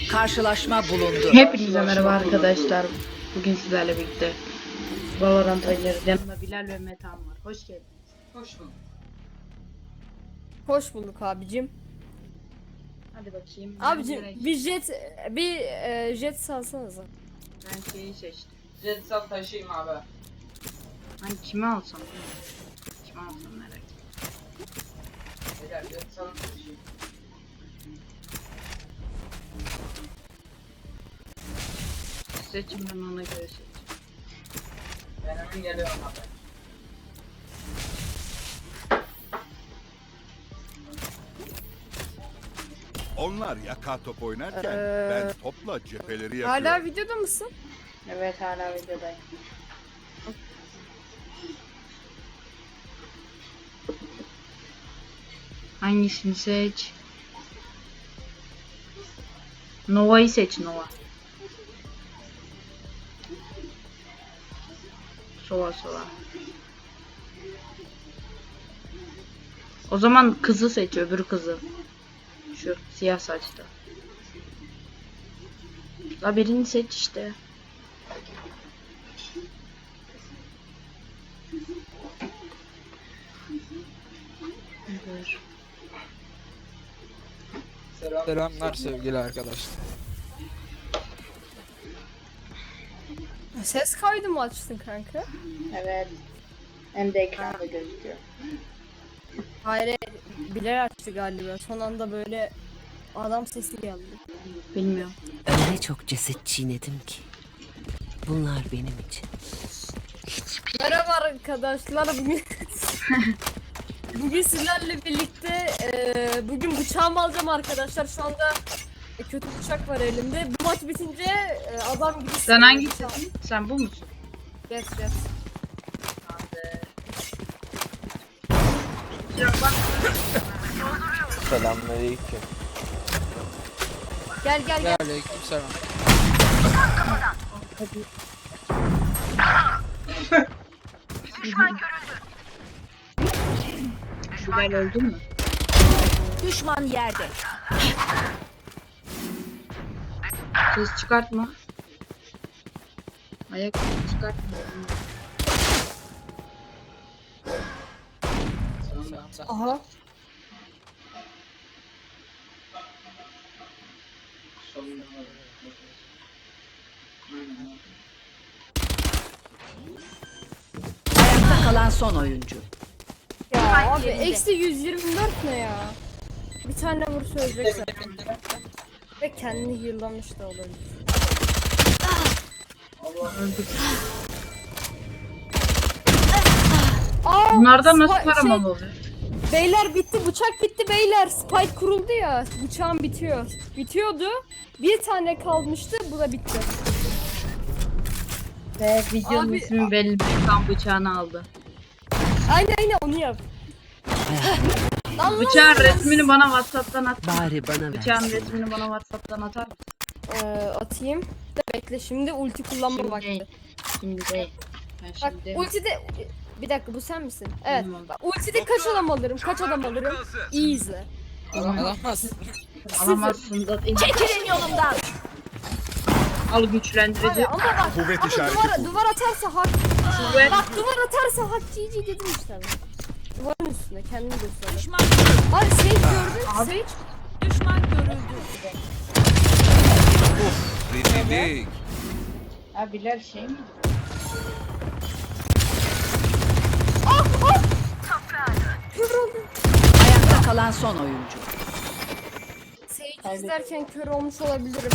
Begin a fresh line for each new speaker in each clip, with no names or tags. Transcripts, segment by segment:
Karşılaşma bulundu.
Hepinize merhaba arkadaşlar. Bugün sizlerle birlikte Valorant oynuyoruz. Yanımda Bilal ve Metan var. Hoş geldiniz.
Hoş bulduk.
Hoş bulduk abicim.
Hadi bakayım.
Abicim
Ben
bir jet salsanıza.
şeyi seçtim.
Jet sal taşıyayım abi.
Ben kimi alsam? Kimi alsam merak ettim.
Beyler jet sal taşıyayım.
Seçim, ben ona göre seçeceğim.
Ben hemen geliyorum abi.
Onlar yaka top oynarken ben topla cepheleri yakıyorum.
Hala videoda mısın?
Evet, hala videodayım. Hangisini seç? Nova'yı seç, Nova. Sova. O zaman kızı seç, öbür kızı. Şu siyah saçlı. La birini seç işte. Dur.
Selamlar sevgili arkadaşlar.
Ses kaydı mı açtın kanka?
Evet. Hem de ekranda gözüküyor.
Hayır, Bilal açtı galiba. Son anda böyle adam sesi geldi.
Bilmiyorum.
Öyle çok ceset çiğnedim ki. Bunlar benim için.
Merhaba arkadaşlar. Bugün sizlerle birlikte bugün bıçağımı alacağım arkadaşlar. Şu anda kötü bıçak var elimde. Bu maç bitince adam gibi...
Sen hangisisin? Sen bu musun?
Yes.
Selamünaleyküm.
Gel.
Aleykümselam.
Bilal öldün mü?
Düşman yerde.
Ses çıkartma. Ayak sesi çıkartma.
Aha.
Ayakta kalan son oyuncu.
Ya abi eksi 124 ne ya? Bir tane vursa ölecek zaten. Ve kendini yıllamış da olabilir.
Öldük.
Aa,
Bunlardan nasıl
Spy-
paramal oluyor?
Beyler bitti, bıçak bitti beyler. Spike kuruldu ya, bıçağım bitiyor. Bitiyordu. Bir tane kalmıştı, bu da bitti.
Ve videonun
Abi-
ismi belli. Kan bıçağını aldı.
Aynen onu yap. Lan
Bıçağın resmini bana WhatsApp'tan at.
Bari bana
Bıçağın
ver.
resmini bana WhatsApp'tan atar mısın?
Atayım. Da bekle şimdi ulti kullanma vakti.
Şimdi değil. Ben
Bak
şimdi
ultide... Bir dakika bu sen misin? Evet.
Bilmiyorum.
Bak, ultide kaç adam alırım? İyi izle.
Alamaz.
alamazsın da.
Çekilin yolumdan.
Al
Abi
güçlendirici.
ama bak
Kuvvet
ama
işareti bu.
duvar atarsa hak.
Kuvvet.
Bak duvar atarsa hak GG dedim işte ben. Duvarın üstüne kendini göster.
Düşman
Abi Sage gördün? Sage.
düşman görüldü.
Rezillik.
Ha Bilal şey mi?
Kör oldum.
Ayakta kalan son oyuncu.
Sage izlerken kör olmuş olabilirim.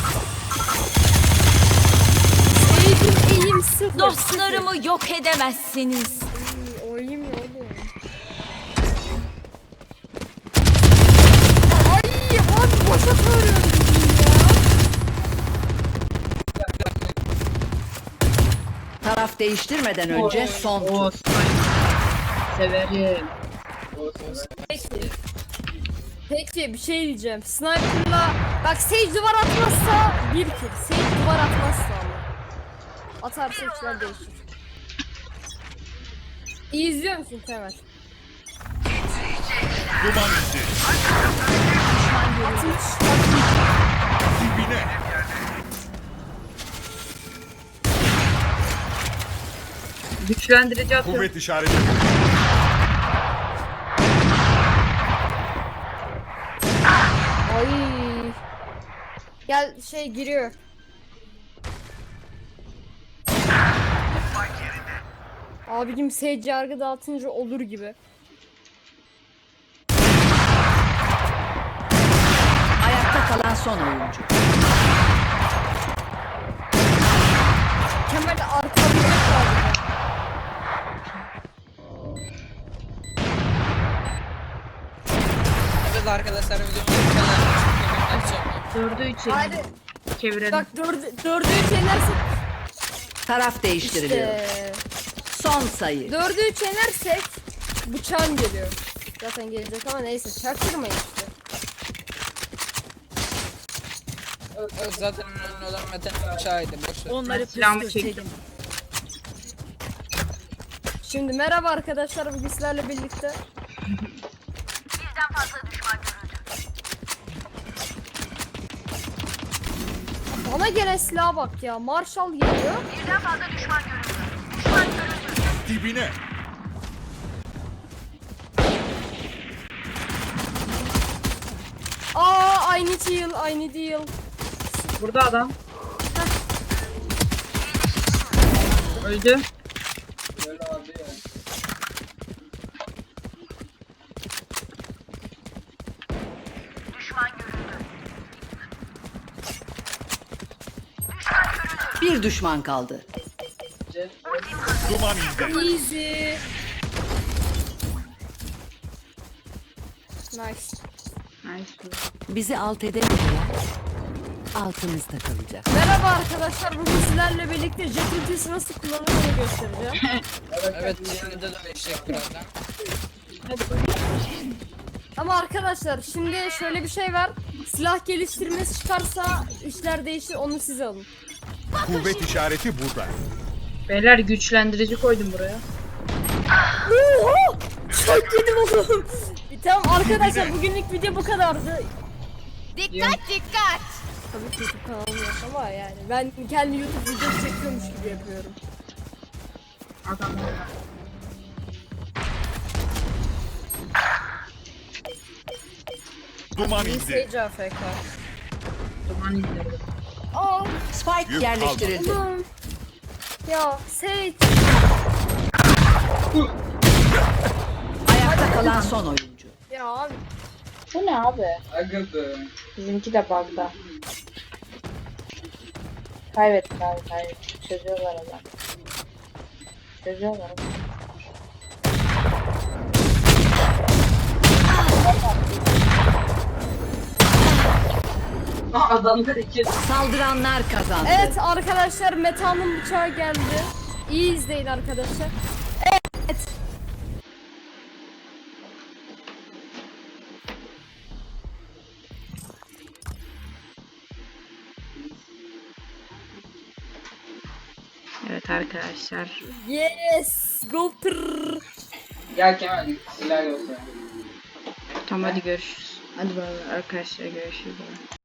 Sage'in eğim sıfır.
Dostlarımı yok edemezsiniz.
Sıfır. Oyum ya oğlum. Ay abi boşa körüyorum ya.
Taraf değiştirmeden önce son tur.
O severim.
Peki bir şey diyeceğim. Sniper'la bak Sage duvar atmazsa bir kill. Sage duvar atmazsa ama. Atarsa işler değişir. İyi izliyor musun Kemal?
Duman indi.
Atmış.
Güçlendirici atıyorum.
Kuvvet işareti.
Ay. Gel şey giriyor. Abicim seyirci yargı dağıtınca olur gibi.
Ayakta kalan son oyuncu.
Kemal arkalayacak galiba.
Evet arkadaşlar videomuz bu kadar.
4'ü 3
Hadi
çevirelim.
bak dördü üç yenersek
Taraf değiştiriliyor.
işte.
Son sayı.
4'ü 3 yenersek bıçağım geliyor. Zaten gelecek ama neyse çaktırmayın işte.
Evet, zaten önemli olan Mete'nin bıçağıydı. Boşver.
Onları
Silahımı
püskürtelim.
çektim.
Şimdi merhaba arkadaşlar, bugün sizlerle birlikte bana gelen silaha bak ya, Marshall geliyor.
Dibine.
I need heal.
Burada adam. Öldü.
Böyle abi ya.
Bir düşman kaldı.
Duman indi.
Easy. Nice.
Nice.
Bizi alt edemediler. Altımızda kalacak.
Merhaba arkadaşlar, bugün sizlerle birlikte jet ultisi nasıl kullanıldığını göstereceğim.
Evet şimdi de değişecek birazdan.
Ama arkadaşlar şimdi şöyle bir şey var. Silah geliştirmesi çıkarsa işler değişir, onu siz alın.
Kuvvet işareti burada.
Beyler güçlendirici koydum buraya.
Oho! Çok yedim oğlum. Tamam arkadaşlar, bugünlük video bu kadardı.
Dikkat
Dikkat! Tabii ki YouTube kanalım yok ama yani ben kendi YouTube videosu çekiyormuş gibi yapıyorum.
Adam orada.
Duman
İyi
indi.
seyirci AFK.
Duman indirdim.
Aa
Spike
Yük
yerleştirildi.
oğlum. Ya Sage.
Ayakta kalan son oyuncu.
Ya abi.
Bu ne abi?
Aga be.
Bizimki de bug'da. Kaybettik abi, kaybettik. Çözüyorlar adam. Çözüyorlar.
Adamlar iki.
Saldıranlar kazandı.
Evet arkadaşlar, Meta'nın bıçağı geldi. İyi izleyin arkadaşlar. Evet.
Evet arkadaşlar.
Yes. Go pırr.
Gel Kemal silah yok ya.
Tamam hadi görüşürüz. Hadi bay bay arkadaşlar, görüşürüz.